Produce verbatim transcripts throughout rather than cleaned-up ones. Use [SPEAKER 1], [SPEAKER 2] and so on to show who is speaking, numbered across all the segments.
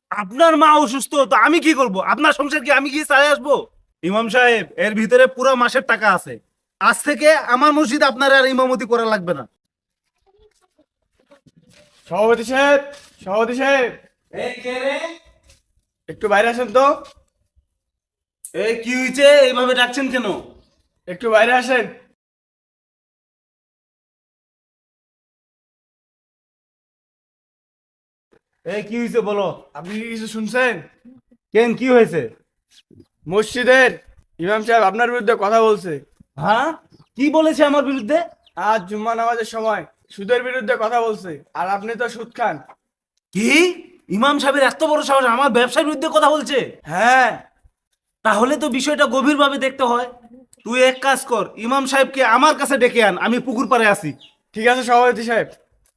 [SPEAKER 1] আপনার মা অসুস্থ, তো আমি কি করব? আপনার সংসার কি আমি গিয়ে চালিয়ে আসবো? ইমাম সাহেব, এর ভিতরে পুরো মাসের টাকা আছে। আজ থেকে আমার মসজিদ আপনার আর ইমামতি করা লাগবে না।
[SPEAKER 2] সভাপতি সাহেব, সভাপতি সাহেব,
[SPEAKER 1] এই কে রে?
[SPEAKER 2] একটু বাইরে আসেন তো।
[SPEAKER 1] এই কি হয়েছে? এইভাবে ডাকছেন কেন?
[SPEAKER 2] একটু বাইরে আসেন।
[SPEAKER 1] এই কি হয়েছে বলো।
[SPEAKER 2] আপনি কি কিছু শুনছেন?
[SPEAKER 1] কেন, কি হয়েছে?
[SPEAKER 2] মসজিদের ইমাম সাহেব আপনার বিরুদ্ধে কথা বলছে।
[SPEAKER 1] হ্যাঁ, কি বলেছে আমার বিরুদ্ধে?
[SPEAKER 2] আজ জুম্মা নামাজের সময় সুদের বিরুদ্ধে কথা বলছে, আর আপনি তো সুদ খান।
[SPEAKER 1] কি? ইমাম সাহেবের এত বড় সাহস আমার ব্যবসার বিরুদ্ধে কথা বলছে?
[SPEAKER 2] হ্যাঁ।
[SPEAKER 1] তাহলে তো বিষয়টা গভীরভাবে দেখতে হয়। তুই এক কাজ কর, ইমাম সাহেবকে আমার কাছে ডেকে আন, আমি পুকুর পাড়ে আছি।
[SPEAKER 2] ঠিক আছে সভাপতি সাহেব।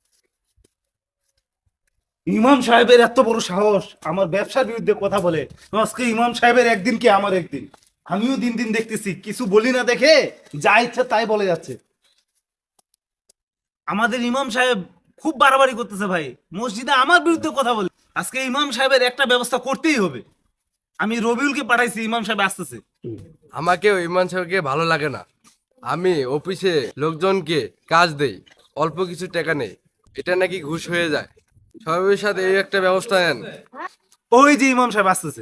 [SPEAKER 1] ইমাম সাহেবের এত বড় সাহস আমার ব্যবসার বিরুদ্ধে কথা বলে। আজকে ইমাম সাহেবের একদিন কি আমার একদিন। আমিও দিন দিন দেখতেছি কিছু বলি না দেখে যা ইচ্ছা তাই বলে যাচ্ছে। আমাদের ইমাম সাহেব খুব বাড়াবাড়ি করতেছে ভাই, মসজিদে আমার বিরুদ্ধে কথা বলে। আজকে ইমাম সাহেবের একটা ব্যবস্থা করতেই হবে। আমি রবিউলকে পাঠাইছি, ইমাম সাহেব আসতেছে।
[SPEAKER 3] আমাকেও ইমরান সাহেবকে ভালো লাগে না। আমি অফিসে লোকজনকে কাজ দেই, অল্প কিছু টাকা নেই, এটা নাকি ঘুষ হয়ে যায়। সবের সাথে এই একটা ব্যবস্থা নেন।
[SPEAKER 1] ওই যে ইমাম সাহেব আসতেছে।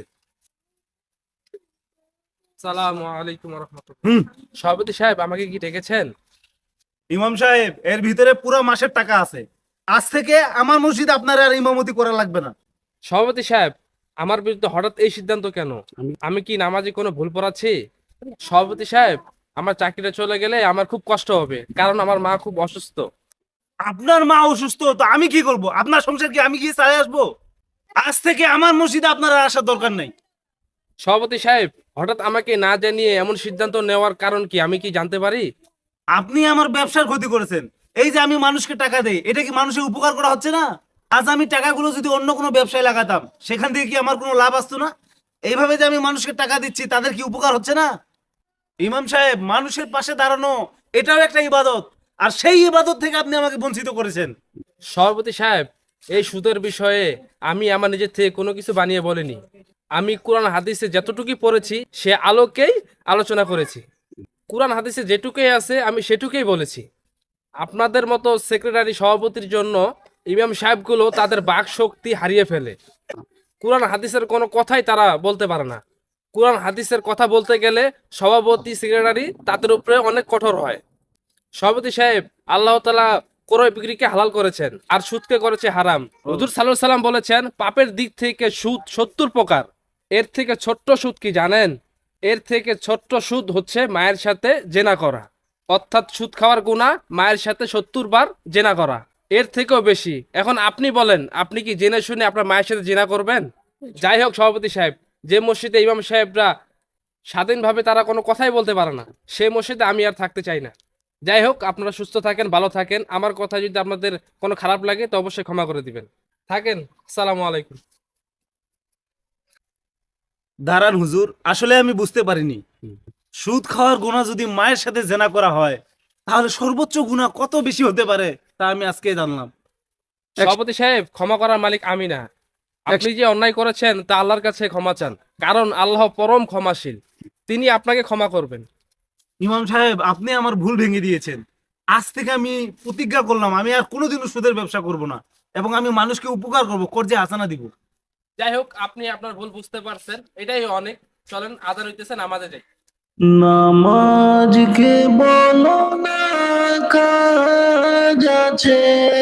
[SPEAKER 4] সালামু আলাইকুম রহমতুল্লাহ।
[SPEAKER 1] হুম।
[SPEAKER 4] সভাপতি সাহেব আমাকে কি ডেকেছেন?
[SPEAKER 1] ইমাম সাহেব, এর ভিতরে পুরো মাসের টাকা আছে। আজ থেকে আমার মসজিদ আপনার আর ইমামতি করা লাগবে না।
[SPEAKER 4] সভাপতি সাহেব, আমার বিরুদ্ধে হঠাৎ এই সিদ্ধান্ত কেন? আমি কি নামাজে কোনো ভুল পড়াচ্ছি? সভাপতি সাহেব, আমার চাকরিটা চলে গেলে আমার খুব কষ্ট হবে, কারণ আমার মা খুব অসুস্থ।
[SPEAKER 1] আপনার মা অসুস্থ, তো আমি কি করব? আপনার সংসার কি আমি গিয়ে চালিয়ে আসবো? আজ থেকে আমার মসজিদে আপনার আর আসার দরকার নেই।
[SPEAKER 4] সভাপতি সাহেব, হঠাৎ আমাকে না জানিয়ে এমন সিদ্ধান্ত নেওয়ার কারণ কি আমি কি জানতে পারি?
[SPEAKER 1] আপনি আমার ব্যবসার ক্ষতি করেছেন। এই যে আমি মানুষকে টাকা দেই, এটা কি মানুষের উপকার করা হচ্ছে না? আজ আমি টাকাগুলো যদি অন্য কোনো ব্যবসায় লাগাতাম, সেখান থেকে কি আমার কোনো লাভ আসতো না? এইভাবে যে আমি মানুষকে টাকা দিচ্ছি, তাদের কি উপকার হচ্ছে না? ইমাম সাহেব, মানুষের পাশে দাঁড়ানো এটাও একটা ইবাদত। আর সেই ইবাদত থেকে আপনি আমাকে বঞ্চিত করেছেন।
[SPEAKER 4] সভাপতি সাহেব, এই সুদের বিষয়ে আমি আমার নিজের থেকে কোনো কিছু বানিয়ে বলিনি। আমি কোরআন হাদিসে যতটুকুই পড়েছি সে আলোকেই আলোচনা করেছি। কোরআন হাদিসে যেটুকুই আছে আমি সেটুকুই বলেছি। আপনাদের মতো সেক্রেটারি সভাপতির জন্য ইমাম সাহেবগুলো তাদের বাক শক্তি হারিয়ে ফেলে। কোরআন হাদিসের কোনো কথাই তারা বলতে পারে না। কোরআন হাদিসের কথা বলতে গেলে সভাপতি সেক্রেটারি তাদের উপরে অনেক কঠোর হয়। সভাপতি সাহেব, আল্লাহ তাআলা ক্রয় বিক্রিকে হালাল করেছেন আর সুদকে করেছে হারাম। হুজুর সাল্লাল্লাহু আলাইহি সাল্লাম বলেছেন, পাপের দিক থেকে সুদ সত্তর প্রকার। এর থেকে ছোট্ট সুদ কি জানেন? এর থেকে ছোট্ট সুদ হচ্ছে মায়ের সাথে জেনা করা। অর্থাৎ সুদ খাওয়ার গুনাহ মায়ের সাথে সত্তর বার জেনা করা। এর থেকেও বেশি। এখন আপনি বলেন, আপনি কি জেনে শুনে আপনার মায়ের সাথে জেনা করবেন? যাই হোক সভাপতি সাহেব, যে মসজিদে ইমাম সাহেবরা স্বাধীনভাবে তারা কোনো কথাই বলতে পারে না, সেই মসজিদে আমি আর থাকতে চাই না। যাই হোক, আপনারা সুস্থ থাকেন, ভালো থাকেন। আমার কথা যদি আপনাদের কোনো খারাপ লাগে তো অবশ্যই ক্ষমা করে দিবেন। থাকেন। আসসালামু আলাইকুম।
[SPEAKER 1] দাঁড়ান হুজুর, আসলে আমি বুঝতে পারিনি সুদ খাওয়ার গুনাহ যদি মায়ের সাথে জেনা করা হয়, তাহলে সর্বোচ্চ গুনাহ কত বেশি হতে পারে তা আমি আজকেই জানলাম।
[SPEAKER 4] সভাপতি সাহেব, ক্ষমা করার মালিক আমি না। আপনি যে অন্যায় করেছেন তা আল্লাহর কাছে ক্ষমা চান, কারণ আল্লাহ পরম ক্ষমাশীল। তিনি আপনাকে ক্ষমা করবেন।
[SPEAKER 1] ইমাম সাহেব, আপনি আমার ভুল ভেঙে দিয়েছেন। আজ থেকে আমি প্রতিজ্ঞা করলাম আমি আর কোনোদিনও সুদের ব্যবসা করব না, এবং আমি মানুষকে উপকার করব, কর্জে হাসানা দিব।
[SPEAKER 4] যাই হোক, আপনি আপনার ভুল বুঝতে পারছেন, এটাই অনেক। চলেন, আদান হইতেছেন, আমাদের যাই।
[SPEAKER 5] নামাজকে বলো না কাজ আছে